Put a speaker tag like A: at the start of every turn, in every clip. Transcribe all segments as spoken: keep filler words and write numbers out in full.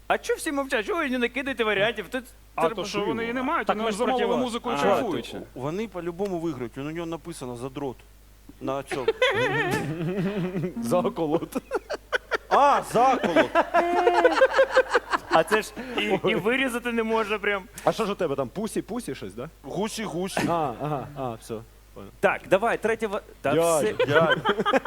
A: А чого всі мовчать? Чого ви не накидаєте варіантів? Тут
B: А то, що вони і не мають, вони ж замовили музику і
A: А,
B: кайфують.
A: точно.
C: Вони по-любому виграють, у нього написано задрот. На цьому.
D: Заколот.
C: А, заколот.
A: А це ж і, і вирізати не можна прям.
D: А що ж у тебе там? Пусі, пусі щось, да?
C: Гусі, гусі.
D: А, ага, а, все.
A: Так, давай, третя... ва- Та
D: Дядя,
A: все...
C: Дядя.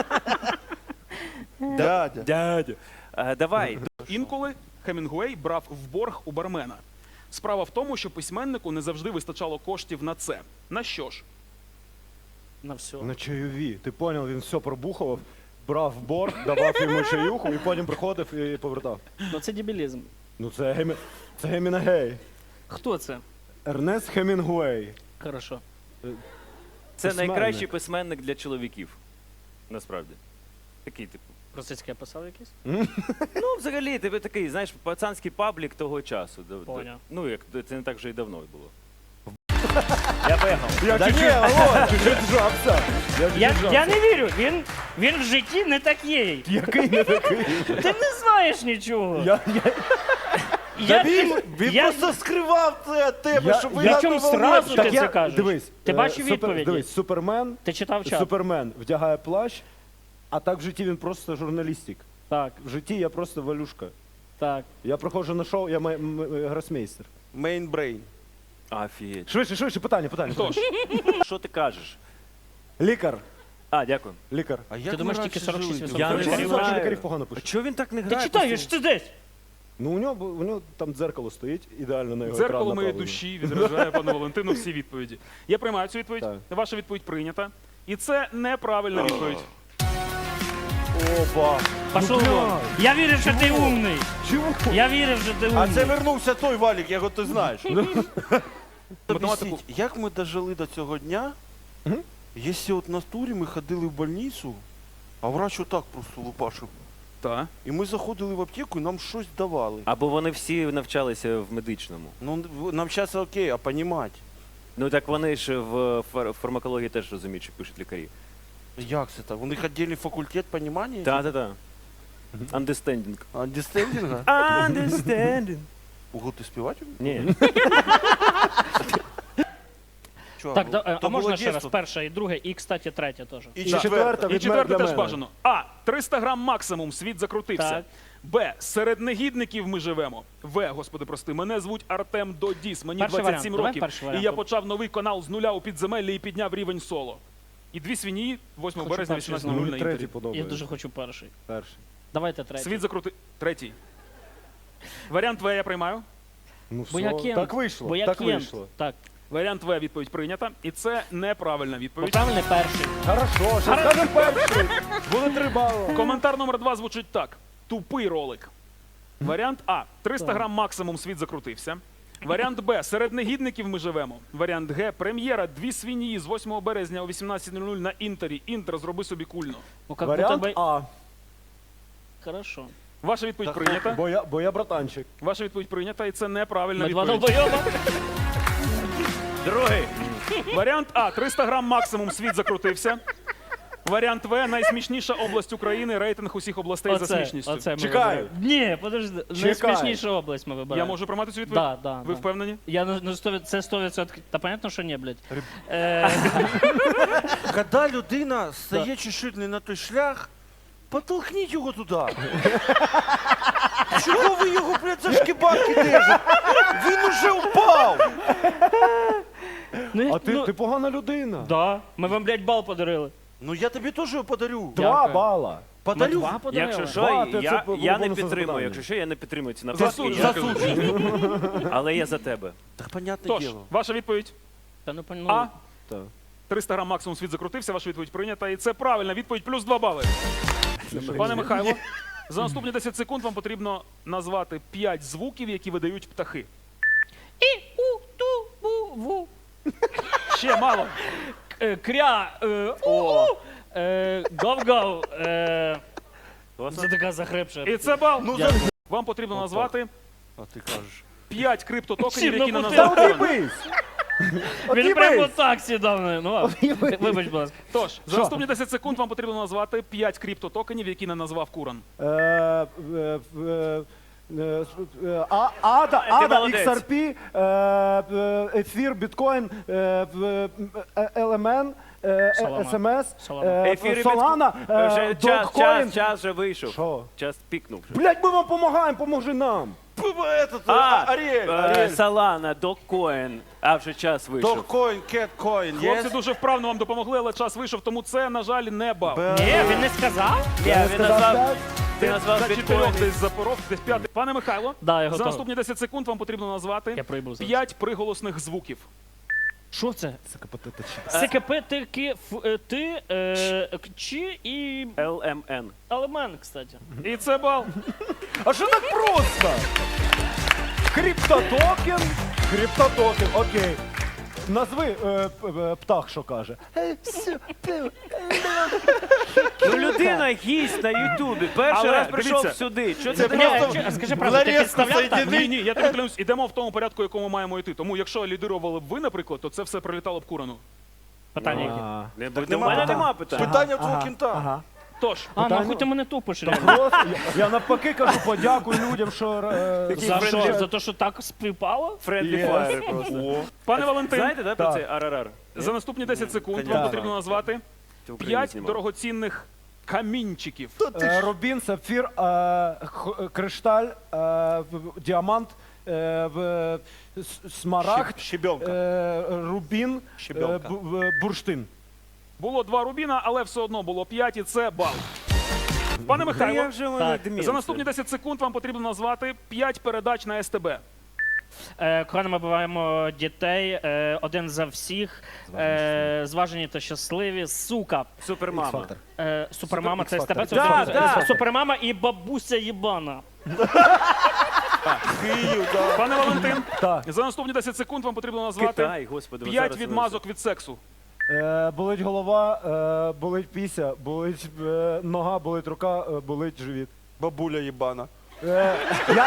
C: Дядя.
A: Дядя. А, давай.
B: Інколи Хемінгуей брав в борг у бармена. Справа в тому, що письменнику не завжди вистачало коштів на це. На що ж?
E: На все.
D: На чайові. Ти поняв, він все пробухував, брав борг, давав йому чаюху і потім приходив і повертав.
E: Ну це дебілізм.
D: Ну це Гемі... це Гемінгей.
E: Хто це?
D: Ернест Хемінгуей.
E: Хорошо.
A: Це
D: Письменник.
A: найкращий письменник для чоловіків. Насправді. Такий, типу.
E: Російський писав якийсь?
A: Ну, взагалі, тебе такий, знаєш, пацанський паблік того часу. До- до-
E: Поняв.
A: Ну, як це не так вже і давно було. Я поїхав.
D: Я
C: Да ні,
D: чуть-чуть, алло, чуть-чуть зжався. Я
E: Я,
D: чуть-чуть
E: я
D: зжався.
E: не вірю, він, він в житті не такий.
D: Який не такий?
E: Ти не знаєш нічого.
D: Я, я,
E: Я,
C: Він,
E: тим-
C: він
E: я,
C: просто скривав це від тебе,
D: Я-
C: щоб
D: я-
C: ви на
E: чому
C: того
E: сразу
C: не-
E: ти це кажеш?
D: Дивись.
E: Ти
D: е,
E: бачив
D: супер-
E: відповіді?
D: Дивись, Супермен,
E: Ти читав чат?
D: Супермен вдягає плащ, а так в житті він просто журналістик.
E: Так,
D: В житті я просто валюшка.
E: так.
D: Я приходжу на шоу, я май- м- м- гросмейстер.
C: Мейнбрейн.
A: Офігеть.
D: Швидше, швидше, питання, питання.
B: Тож,
A: Що ти кажеш?
D: Лікар,
A: А, дякую.
D: лікар.
C: А як
E: думаєш,
C: ми
E: тільки
C: раніше
E: сорок шість
C: жили?
E: відсотків?
A: Я не
D: Лікарів
A: знаю.
D: лікарів погано
A: А
D: пишуть.
A: чого він так не
E: Ти
A: грає?
E: читаєш, ти десь.
D: Ну у нього, у нього там дзеркало стоїть, ідеально на його
B: дзеркало
D: екран
B: моєї
D: направлено.
B: душі відражає пану Валентину всі відповіді. Я приймаю цю відповідь.
D: Так.
B: Ваша відповідь прийнята. І це неправильна відповідь.
D: Опа.
E: Пішов
D: Ну,
E: вон.
D: блядь.
E: Я вірив, що ти умний.
D: Чого?
E: Я вірив, що ти
C: А
E: умний.
C: це вернувся той Валік, його ти знаєш.
B: Математику.
C: Об'ясніть, як ми дожили до цього дня,
D: Мгм.
C: якщо от на турі ми ходили в больницю, а врач отак просто лупашив.
B: Так.
C: І ми заходили в аптеку і нам щось давали.
A: Або вони всі навчалися в медичному.
C: Ну, в- нам зараз окей, а понімати.
A: Ну так вони ж в фар- фармакології теж розуміють, що пишуть лікарі.
C: Як це так? У них віддільний факультет понімання?
A: Так-так-так. Understanding.
C: Андестендінга?
A: Understanding.
C: Ого, ти співати?
A: Ні.
C: Чувак,
E: Так,
C: ну,
E: да, е,
C: то
E: а можна
C: було
E: ще раз?
C: дійство.
E: Перше і друге, і, кстати, третє теж.
C: І
D: І
C: четверта.
D: четверта
B: І
D: від
B: четверте
D: для
B: теж
D: мене.
B: бажано. А. триста грам максимум, світ закрутився.
E: Так.
B: Б. Серед негідників ми живемо. В. Господи, прости, мене звуть Артем Додіс, мені
E: Перший
B: двадцять сім
E: варіант. Давай
B: років.
E: перший
B: І
E: варіант.
B: я почав новий канал з нуля у підземеллі і підняв рівень соло. І дві свиньї восьмого
E: Хочу
B: березня
E: перший
B: вісімнадцятого
E: знову.
B: нуль
D: Мені
B: на
D: третій
B: інтері.
E: Я
D: подобається.
E: дуже хочу перший.
D: Перший.
E: Давайте третій.
B: Світ закрути... Третій. Варіант В я приймаю.
D: Ну
E: Бо я
D: все,
E: кент.
D: так вийшло,
E: Бо я
D: так
E: кент.
D: вийшло.
E: Так.
B: Варіант В відповідь прийнята. І це неправильна
E: Бо
B: відповідь.
E: правильний перший.
D: Хорошо, що скажемо перший. Буде три бали.
B: Коментар номер два звучить так. Тупий ролик. Варіант А. триста
E: Так.
B: грам максимум, світ закрутився. Варіант Б. Серед негідників ми живемо. Варіант Г. Прем'єра дві свиньї з восьмого березня о вісімнадцятій нуль на Інтері. Інтер, зроби собі кульно.
E: Ну, как
D: Варіант
E: будто бы...
D: А,
E: Хорошо.
B: Ваша відповідь
C: Так,
B: прийнята.
D: бо я, бо я братанчик.
B: Ваша відповідь прийнята, і це неправильна
E: Ми два
B: відповідь.
E: долбойоба.
A: Другий.
B: Варіант А. триста грам максимум, світ закрутився. Варіант В. Найсмішніша область України. Рейтинг усіх областей за смішністю.
E: оце ми
D: Чекаю.
E: вибираємо. Ні, подожди.
D: Чекаю.
E: Найсмішніша область ми
B: Я
E: вибираємо.
B: можу приймати цю відповідь?
E: Да, да,
B: Ви
E: да.
B: впевнені?
E: Я на, на сто, це сто відсотків. Та понятно, що ні, блядь. Е,
C: Коли людина стає чуть-чуть не на той шлях, потолкніть його туди. Чого ви його, блядь, за шкібарки держите? Він уже впав!
E: ну,
D: А ти,
E: ну,
D: ти погана людина.
E: Да. Ми вам, блядь, бал подарили.
C: Ну я тобі теж його подарю.
D: Два
E: Дякую.
D: бала.
E: Ми
C: Подарю.
E: два подарили.
A: Якщо що,
D: Два, ти
A: я,
D: це по-
A: я не
D: бонусне
A: підтримую.
D: завдання.
A: Якщо що, я не підтримую ці
B: Засуджую.
A: нападки. Я-
C: Засуджую.
A: Але я за тебе.
C: Так понятне
B: Тож,
C: діло.
B: ваша відповідь
E: Та ну, пон- ну,
B: А.
D: Так.
B: триста грам максимум, світ закрутився. Ваша відповідь прийнята. І це правильна відповідь. Плюс два бали. Пане Михайло, за наступні десять секунд вам потрібно назвати п'ять звуків, які видають птахи.
E: І, у, ту, бу, ву.
B: Ще мало.
E: Е, кря, е, у, у, е, гав-гав. Е, це така захрипша.
B: І це бал.
C: Ну,
E: Дякую.
C: за...
B: Вам потрібно назвати
C: А ти кажеш.
B: п'ять криптотокенів,
E: Всім
B: які не
E: на
B: назвав Іван.
D: От'їбись!
E: Він прямо отак сідав. Ну, ладно. Вибач, будь ласка.
B: Тож, за
D: Що?
B: наступні десять секунд вам потрібно назвати п'ять криптотокенів, які не назвав Куран.
D: Е, е, е, Е, с- е, А, Ада,
A: Ти
D: Ада,
A: молодець.
D: ікс ар пі, е, е, ефір, біткоін, е, в- е, ел ем ен, е,
E: Солана.
D: ес ем ес,
E: Солана.
D: е,
A: Ефір і
D: Солана,
A: бітко- Вже
D: е,
A: час,
D: Dogecoin.
A: час, час вже вийшов.
D: Що?
A: Час пікнув. вже.
D: Блять, ми вам допомагаємо, поможи нам.
C: П- Этот,
A: А,
C: а, Аріель,
A: е,
C: Аріель.
A: Солана, Dogecoin. А вже час вийшов.
C: Доккоін, кеткоін, є?
B: Хлопці дуже вправно вам допомогли, але час вийшов, тому це, на жаль, не бал.
E: Ні, він не сказав?
A: Ні, він
D: сказав
A: назвав,
D: п'ять.
A: ти назвав
B: За
A: біткоін.
B: чотирьох десь запоров, десь п'ятий. Пане Михайло,
E: Да, я
B: за
E: готовий.
B: наступні десять секунд вам потрібно назвати
E: Я проїбав зараз.
B: п'ять приголосних звуків.
E: Що це?
D: Сикапотитичі.
E: СКП, Т, К, Ф, е, Т, е, К, Ч і
A: ел ем ен.
E: елемент, кстати.
B: І це бал.
D: А що так просто? Криптотокен, криптотокен, окей. Назви е, п- е, птах, що каже.
A: Ну людина гість на Ютубі. Перший
B: Але,
A: раз прийшов
B: дивіться,
A: сюди. Що
C: це
A: це
E: Ні,
C: просто
E: ч- скажи
C: в
E: правду, ти
C: нарізку
E: підставляв так?
C: соєдини.
B: Ні, ні, я тобі клянусь, ідемо в тому порядку, якому маємо йти. Тому якщо лідирували б ви, наприклад, то це все прилітало б курану.
E: Питання які?
D: А,
A: Не,
C: Так
A: до
C: нема
A: мене
C: питань.
A: нема питань.
C: Питання в твого
D: ага,
C: кінта.
D: ага.
B: Тож,
E: А,
D: Питання-
E: нахуй ти мене тупиш, реально.
D: Просто, я, я навпаки кажу, подякую людям, що е,
A: Такий
E: За
A: friendly-
E: що? За те, що так співпало?
A: Френдлі
D: Yes.
A: фаєр просто.
B: пане Валентин,
A: Знаєте, да, про
D: Так.
A: цей арарар?
B: за наступні десять секунд
C: Конечно.
B: вам потрібно назвати
A: Ти в Україні
B: п'ять
A: знімав.
B: дорогоцінних камінчиків.
D: е, Рубін, сапфір, е, х- е, кришталь, е, в- в- діамант, е, в- с- смарагд,
C: Щебенка.
D: е, рубін, е,
C: Щебенка.
D: бу- в- бурштин.
B: Було два рубіна, але все одно було п'ять, і це бал. Пане
A: Та я
B: Михайло,
A: вже мене
E: Так.
A: демент.
B: за наступні десять секунд вам потрібно назвати п'ять передач на ес те бе.
E: Е, Коли ми буваємо дітей, е, один за всіх, е, зважені та щасливі, сука.
A: Супермама.
E: Е, Супермама, це з тебе? Це
A: Да,
E: це-
A: да.
E: це Супермама і бабуся їбана.
C: Київ, да.
B: Пане Валентин,
D: Так.
B: за наступні десять секунд вам потрібно назвати
A: Китай, господи. ви
B: п'ять
A: зараз
B: відмазок від сексу.
D: Е, болить голова, е, болить піся, болить е, нога, болить рука, е, болить живіт.
C: Бабуля їбана.
D: Е, я,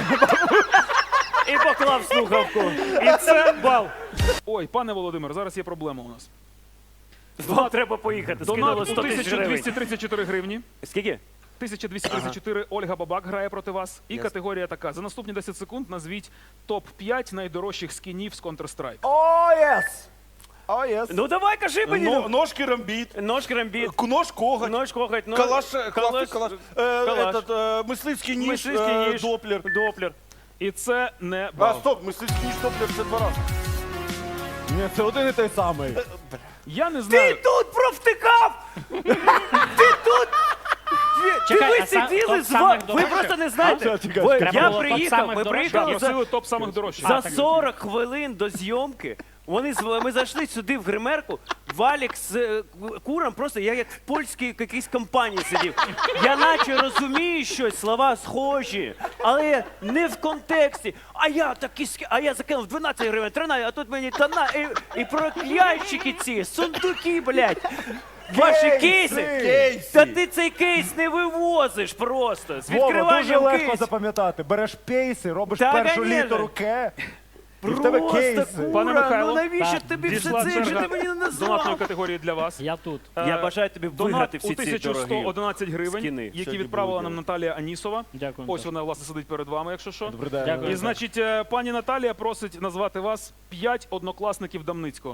A: І поклав слухавку.
B: І це бал. Ой, пане Володимир, зараз є проблема у нас.
A: Вам треба поїхати.
B: Донат
A: Скинуло
B: у
A: сто тисяч
B: тисячу
A: гривень.
B: двісті тридцять чотири гривні.
A: Скільки?
B: тисяча двісті тридцять чотири Ольга Бабак грає проти вас. І категорія така. За наступні десять секунд назвіть топ п'ять найдорожчих скінів з Counter-Strike.
D: о, єс! О, єс!
A: Ну давай, кажи мені.
C: Но- Ножки рамбіт.
A: Нож крамбіт.
C: К- Нож коготь.
A: Нож коготь. нож-
C: Калаш,
A: калаш-
C: калаш, калаш. Е,
A: калаш.
C: Этот, е, мисливський ніж,
A: Мисливський
C: е,
A: ніж.
C: доплер.
A: Доплер.
B: І це не
C: А,
B: бал.
C: стоп, мисливський ніж, доплер, це два рази.
D: Ні, це один і той самий.
B: Я не
A: Ти
B: знаю.
A: тут провтикав! Ти тут! Ти
E: Чекай,
A: ви
E: а сам-
A: сиділи
E: топ
A: з вами.
E: самих
A: Ви
E: дорожчих?
A: просто не знаєте.
D: А, чекай,
A: Ви-
E: Треба
A: Я
E: було топ
A: приїхав,
E: самих
A: ми
E: дорожчих?
A: приїхали за
B: Просили топ самих дорожчих.
A: За сорок хвилин до зйомки вони з- ми зайшли сюди в гримерку. Валік з е, куром просто я як в польській якійсь компанії сидів. Я наче розумію щось, слова схожі, але не в контексті. А я такі ски- а я закинув дванадцять гривень, тринадцять, а тут мені тона і, і проклянщики ці, сундуки, блядь. Ваші кейси.
C: Кейси.
A: Та ти цей кейс не вивозиш просто. З
D: Вова, дуже
A: відкриванням
D: легко
A: кейсу.
D: запам'ятати. Береш пейси, робиш
A: Та,
D: першу
A: конечно.
D: літеру К, і в тебе
A: Просто
D: кейси.
A: кура,
B: Пане Михайло,
A: ну навіщо
E: так,
A: тобі все
B: Дійшла
A: це, якщо
B: черга
A: ти мені не
B: донатної
A: назвав?
B: категорії для вас.
E: Я тут.
A: Я
B: Е,
A: бажаю тобі
B: Донат
A: виграти
B: у
A: всі ці
B: тисячу сто
A: дорогі
B: одинадцять гривень,
A: скіни.
B: які
A: Сьогодні
B: відправила
A: будуть
B: нам Наталія Анісова.
E: Дякую.
B: Ось вона, власне, сидить перед вами, якщо що.
D: Добрий день.
E: Дякую.
B: І, значить, е, пані Наталія просить назвати вас п'ять однокласників Дамницького.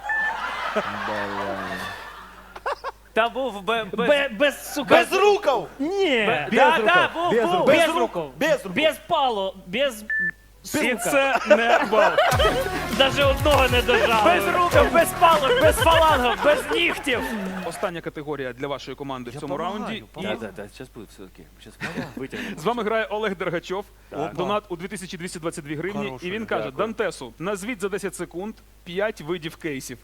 A: Та був бе- без...
E: Бе- Без, сука.
C: Без рукав!
E: Ні.
A: Да,
D: Без
A: да,
D: рукав,
A: був,
D: без
A: був.
D: рукав.
E: Без
C: рук.
E: рукав.
C: Без рук.
E: Без пало. Без...
B: І
E: Сука.
B: це не бал.
E: Даже одного не дожали.
A: Без рукав, без палок, без фалангів, без нігтів.
B: Остання категорія для вашої команди в цьому раунді. І
A: Так, так, так, зараз буде все окей. Зараз витягнемо.
B: з вами грає Олег Дергачов.
C: Опа.
B: Донат у дві тисячі двісті двадцять дві гривні.
C: Хороший,
B: І він каже:
A: дякую.
B: Дантесу, назвіть за десять секунд п'ять видів кейсів.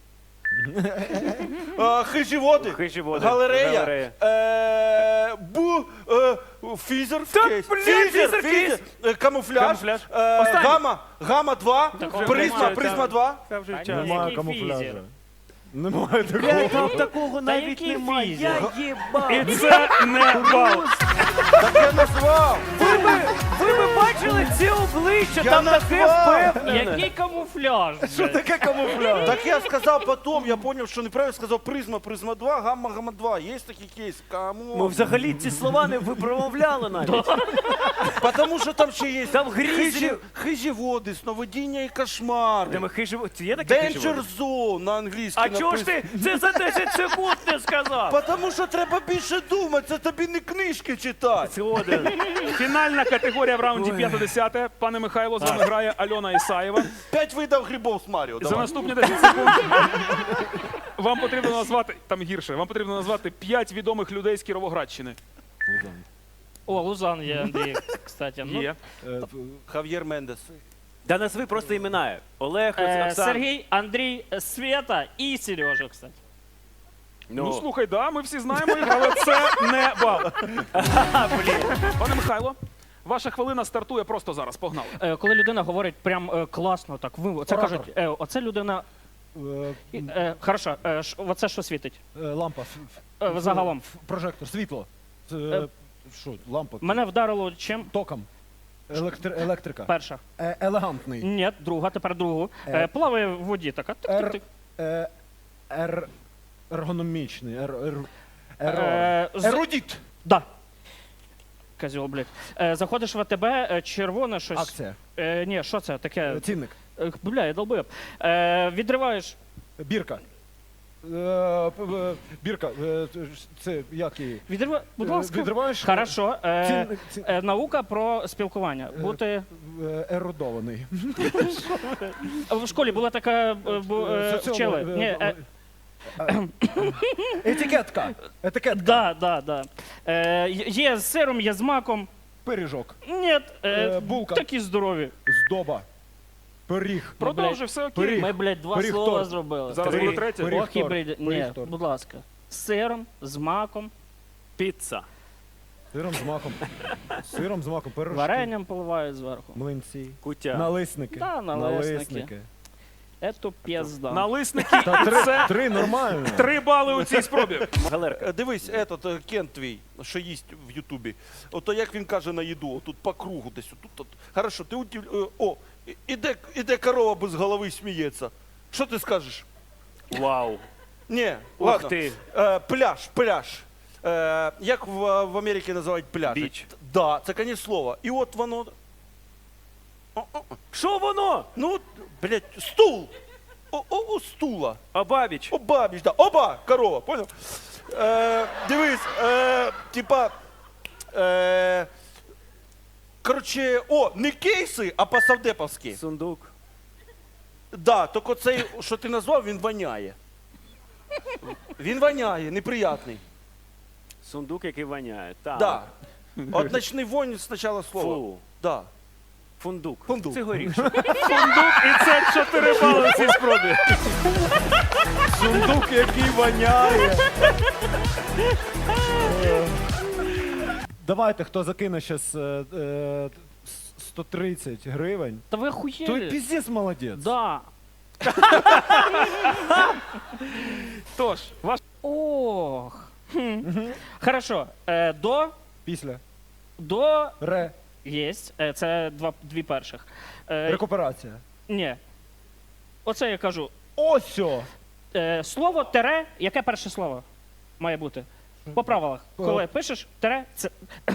C: Е, Хижі
A: Хижі води.
C: Галерея.
A: Галерея.
C: Е, Бу. е, Фізер.
A: Та,
C: кейс.
A: блін,
C: Фізер,
A: фізер
C: фізер.
A: кейс.
C: Е, Камуфляж.
A: Камуфляж.
C: Е,
B: Останній.
C: Гама. Гама два.
E: Такого
C: Призма.
E: немає.
C: Призма два.
A: Це вже
E: Та
A: час.
E: ні.
D: Немає
E: Який
D: камуфляжу.
E: фізер?
D: Немає такого.
A: Блядь, там такого навіть
E: який
A: немає.
E: фізер?
A: Я їбав.
B: І це не бал.
C: Так я назвав.
A: Ви би, ви би бачили ці обличчя. обличчя
C: Я
A: там таке
C: назвав.
A: впевнене.
E: Який камуфляж?
D: Що таке камуфляж?
C: Так я сказав потім, я зрозумів, що неправильно сказав призма, призма два, гамма, гамма два. Є такий кейс. Кому?
A: Ми взагалі ці слова не випромовляли навіть.
C: Тому що там ще є
A: Там грізлі.
C: хижі, хижі води, сновидіння і кошмари.
A: Де ми хижі... Це є таке хижі?
C: Danger Zone на англійській
A: А чого ж ти це за десять секунд не сказав?
C: Тому що треба більше думати, це тобі не книжки читати.
A: Згоден.
B: Фінальна категорія в раунді п'яте-десяте. Пане Михайло, з вами грає Альона Ісаєва.
C: П'ять видів грибов з Маріо.
B: За
C: Давай.
B: наступні десять секунд вам потрібно назвати, там гірше, вам потрібно назвати п'ять відомих людей з Кіровоградщини.
E: О, Лузан є, Андрій, кстати. Ну,
B: Є.
D: Е,
C: Хав'єр Мендес.
A: Да назви просто імена. Олег,
E: е,
A: Оксан.
E: Сергій, Андрій, Света і Сережа, кстати.
B: Ну, слухай, да, ми всі знаємо їх, але це не бал. Пане Михайло, ваша хвилина стартує просто зараз. Погнали.
E: Е, коли людина говорить прям е, класно, так, ви, це
D: Оратор.
E: кажуть, е, оце людина,
D: е,
E: і, е, хорошо, е, ш, оце що світить?
D: е, Лампа. ф- ф-
E: Е, загалом.
D: ф- Прожектор, світло. Це,
E: Е,
D: Що, лампа?
E: Мене вдарило чим?
D: Током. Електри... Електрика.
E: Перша.
D: Е, елегантний.
E: Ні, друга, тепер другу. Е,
D: Е,
E: плаває в воді така.
D: Ер...
E: Тик-тик-тик.
D: Е, ер... Ергономічний. Ер... Ер... Ер...
E: Е, з-
D: Ерудіт.
E: Да. Козьол, блядь. Е, заходиш в АТБ, е, червоне щось.
D: Акція.
E: Е, ні, що це таке?
D: Е, Цінник.
E: Е, бля, я долбоєб. Е, відриваєш.
D: Бірка. Е, п- е, Бірка. Е, Це як її?
E: Відрива... Будь
D: Е,
E: ласка.
D: Відриваєш.
E: Хорошо. Е,
D: Цінник. ці-
E: е, наука про спілкування. Бути.
D: е, Ерудований.
E: В школі була така е, бу- е,
D: Соціолог,
E: вчили.
D: е,
E: Ні, е,
D: е, Етикетка. Етикетка.
E: да, да, да. Е, є з сиром, є з маком.
D: Пиріжок.
E: Ні, е,
D: Е, булка.
E: такі здорові.
D: Здоба. Пиріг.
B: Продовжуй, все окей.
D: Пиріг.
E: Ми, блядь, два
D: Пиріг
E: слова
D: торт.
E: зробили.
B: Зараз
A: Три.
B: буде третє.
D: Пиріг.
E: Ох, і
D: торт.
E: бред. Ні,
D: Пиріг торт.
E: будь ласка. З сиром, з маком,
A: Піца.
D: Сиром з маком. Сиром з маком. Пирожки.
E: варенням поливають зверху.
D: Млинці.
A: Кутя.
D: Налисники.
E: Да, налисники. Ето пізда.
B: Налисники.
D: Та три,
B: Це
D: три нормально.
B: три бали у цій спробі.
A: Галерка.
C: Е, Дивись, этот е, Кент твій, що їсть в Ютубі. Ото як він каже на їду, тут по кругу десь. Тут, тут. Хорошо, ти удив... е, О, і- іде, іде корова без голови сміється. Що ти скажеш?
A: Вау.
C: Ні,
A: Ух
C: ладно.
A: ти.
C: Е, пляж, пляж. Е, як в, в Америці називають пляж?
A: Біч.
C: Да, це конець слова. І от воно. О-о-о.
A: Що воно?
C: Ну, от, блядь, стул. О, о, о, стула.
A: Абабіч.
C: Оба, біж, да. Оба, корова, понял? Е, дивись, е, типа. Е, короче, о, не кейси, а по-савдеповськи.
A: Сундук.
C: Да, тільки цей, що ти назвав, він воняє. Він воняє, неприятний.
A: Сундук, який воняє. Так.
C: Да. От ночний вонь спочатку слова.
A: Фу.
C: Да.
A: Фундук.
C: Фундук.
A: Це горіх.
B: Сундук, і це чотири бали у цій спробі.
D: Сундук, який воняє. Давайте, хто закине зараз сто тридцять гривень.
E: Та ви
D: Той
E: охуєли?
D: піздець молодець.
E: Да.
B: Тож, ваш
E: Ох. Хм. Хорошо. Е, до,
D: Після.
E: до
D: Ре.
E: єсть. Е, це два, дві перших. Е,
D: Рекуперація.
E: ні. Оце я кажу.
D: Осьо.
E: Е, слово тере, яке перше слово має бути? По правилах.
D: По-
E: Коли пишеш тере, це.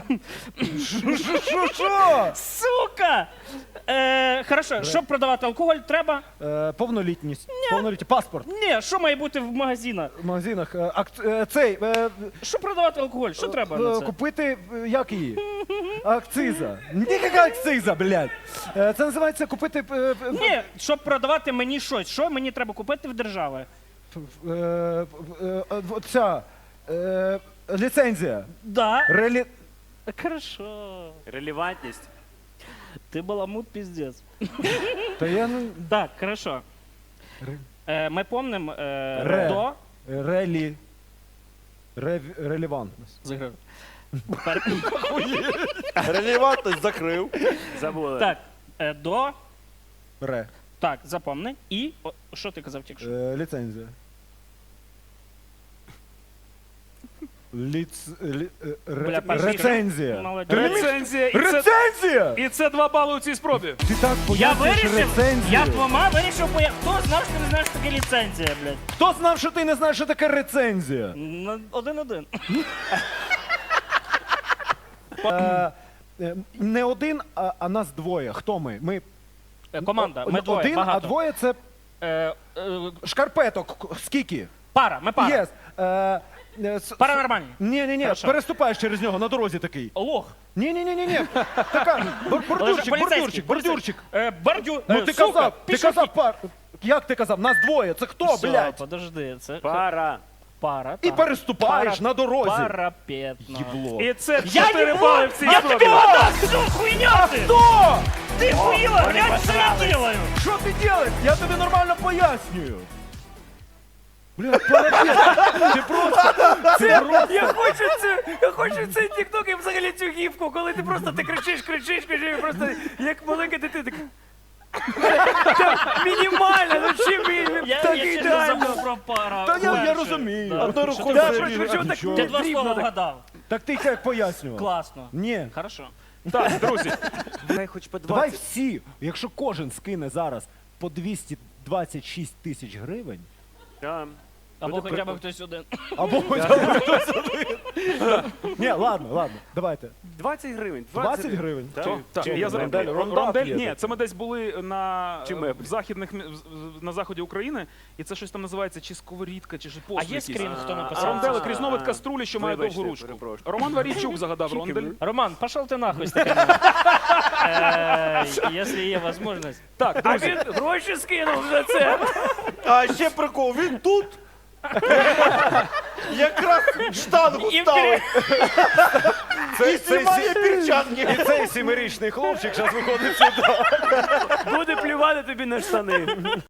D: Що, що?
E: Сука! Е, хорошо, щоб продавати алкоголь, треба.
D: Е, Повнолітність. Повноліття. Паспорт.
E: Ні, що має бути в магазинах?
D: В магазинах. Е, акц- е, Цей. е,
E: Щоб продавати алкоголь, що треба
D: е,
E: на це?
D: Купити, е, як її? Акциза. Ніяка акциза, блядь. Е, Це називається купити... е, е,
E: Ні, щоб продавати мені щось, що мені треба купити в держави?
D: е, е, е, Ця... е, Ліцензія.
E: Да.
D: Релі...
E: Хорошо.
A: Релевантність.
E: Ти баламут піздець.
D: Та я не...
E: Так, хорошо.
D: Ре-
E: Е, ми помним е,
D: Ре.
E: до.
D: Релі... Рев... Релевантність.
E: Заграв. Пер-
C: Релевантність закрив.
A: Забули.
E: Так, е, до.
D: Ре.
E: Так, запомни. І. О, що ти казав тільки що?
D: Е, Ліцензія. Ліц... лі- е, ре-
E: Бля, перший
D: Рецензія.
E: Молодець.
D: Ти не вмієш-
B: Рецензія. І це,
D: Рецензія!
B: і це два бали у цій спробі.
D: Ти так
E: Я
D: пояснюєш
E: вирішив,
D: рецензію.
E: я двома вирішив, поя... Хто знав, що ти не знаєш, що таке ліцензія, блядь?
D: Хто знав, що ти не знаєш, що таке рецензія?
E: Ну, Один-один.
D: Е, е, не один, а, а нас двоє. Хто ми? Ми
E: Е, Команда, ми
D: О-
E: двоє,
D: один,
E: багато.
D: а двоє це
E: Е, е,
D: шкарпеток. К- Скільки?
E: пара, ми пара.
D: Єс. Е, е, с-
E: Пара нормальні.
D: Ні, ні, ні,
E: Хорошо.
D: переступаєш через нього на дорозі такий.
E: Лох.
D: Ні, ні, ні, ні, ні. Така бор- бордюрчик,
E: Поліцейський,
D: бордюрчик, бордюрчик.
E: Е, бордю...
D: Ну
E: е,
D: ти
E: сука,
D: казав, ти
E: пішохід.
D: казав пар. Як ти казав? Нас двоє. Це хто,
E: Все,
D: блядь?
E: подожди, це
A: Пара.
E: пара.
D: І
E: так.
D: переступаєш
E: Пара-
D: на дорозі.
E: Парапетно.
D: Єбло.
B: І це
E: Я
B: чотири
E: не
B: бали
E: буду!
B: в цій
E: Я
B: спробі.
E: тебе отдам! Что хуйня ты?
D: Хто?
E: Ты хуила, глянь, что я делаю!
D: Що ти робиш? Я тобі нормально пояснюю. Бля, парапет. Ти просто... Це просто...
A: Я хочу цю, я хочу цей тікток і взагалі цю гівку, коли ти просто ти кричиш, кричиш, кричиш, і просто як маленька дитина. Так... Так, мінімально, ну чим він
E: Я,
A: так
E: я честно
A: ідеально.
E: забыл про пара.
D: Та я- я
E: Перше.
D: розумію.
E: Да.
D: Одною
E: Що
D: рукою
E: ти
D: це
E: хочеш?
D: ріже,
A: чого
D: а
A: так
D: нічого.
E: Ти два
A: дрібно
E: слова
A: так.
E: вгадав.
D: Так ти як пояснював?
E: Класно.
D: Ні.
E: Хорошо.
B: Так, друзі,
A: Дай хоч по
D: Давай
A: двадцять.
D: всі, якщо кожен скине зараз по двісті двадцять шість тисяч гривень,
A: Да.
E: Або
A: Буде
E: хоча б
A: прикольно.
E: хтось один.
D: або хоча б хтось один. Ні, ладно, ладно, давайте.
A: двадцять гривень.
D: двадцять гривень.
A: Так.
B: то- так,
C: Чим?
B: я зараз
C: Рондель?
B: Рон-
C: Рондап
B: Рондель.
C: є
B: Ні,
C: таке?
B: це ми десь були на
A: Чи
B: е,
A: меблі?
B: в західних мі- в- на заході України, і це щось там називається чи сковорідка, чи ж
E: А
B: посуд
E: є
B: якийсь.
E: скрін, хто
A: А,
E: написав?
B: Ронделик,
A: А,
B: різновид
A: а.
B: каструлі, що має
A: Вибачте,
B: довгу ручку.
A: перепрошую.
B: Роман Варійчук загадав рондель.
E: Роман, пошел ты нахуй с таким. Э, Если є возможность.
B: Так,
A: А
B: друзі,
A: він гроші скинув за це.
C: А ще прикол, він тут. Якраз штангу
E: І
C: ставить.
D: Це,
C: І знімає перчатки.
D: і цей сімирічний хлопчик зараз виходить сюди.
A: Буде плювати тобі на штани.